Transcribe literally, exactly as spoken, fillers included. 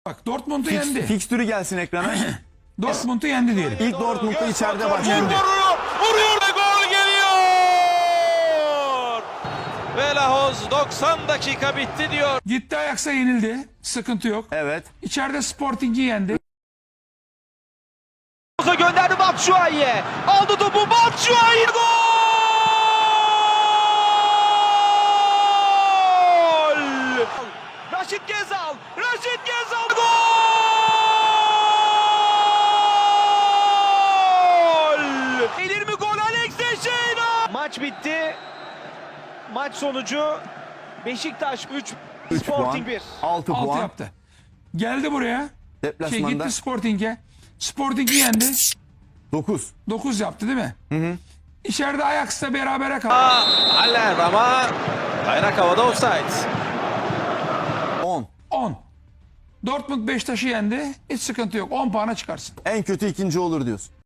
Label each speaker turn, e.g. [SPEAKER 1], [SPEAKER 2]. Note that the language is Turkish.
[SPEAKER 1] Bak Dortmund'u
[SPEAKER 2] Fix,
[SPEAKER 1] yendi.
[SPEAKER 2] fikstürü gelsin ekrana.
[SPEAKER 1] Dortmund'u yendi diyelim.
[SPEAKER 2] İlk Dortmund'da içeride
[SPEAKER 3] Vur,
[SPEAKER 2] başladı.
[SPEAKER 3] vuruyor, vuruyor ve gol geliyor. Ve Lahoz doksan dakika bitti diyor.
[SPEAKER 1] Gitti Ajax'a yenildi. Sıkıntı yok.
[SPEAKER 2] Evet.
[SPEAKER 1] İçeride Sporting'i yendi.
[SPEAKER 3] Gönderdi Batshuayi'ye. Aldı topu Batshuayi. Gol! Raşit Gezal. Raşit Gezal. Gol! Gelir mi gol Alex Teixeira? Maç bitti. Maç sonucu Beşiktaş üç,
[SPEAKER 2] üç
[SPEAKER 3] Sporting
[SPEAKER 2] puan.
[SPEAKER 3] bir.
[SPEAKER 2] altı
[SPEAKER 1] Altı
[SPEAKER 2] puan.
[SPEAKER 1] yaptı. Geldi buraya. Şey
[SPEAKER 2] Deplasmanda
[SPEAKER 1] gitti Sporting'e. Sporting'i yendi.
[SPEAKER 2] dokuz.
[SPEAKER 1] dokuz yaptı değil mi? Hı hı. İçeride Ajax'la berabere kaldı.
[SPEAKER 3] Haller ama bayrak havada offside.
[SPEAKER 2] on.
[SPEAKER 1] on. Dortmund Beşiktaş'ı yendi. Hiç sıkıntı yok. on puana çıkarsın.
[SPEAKER 2] En kötü ikinci olur diyorsun.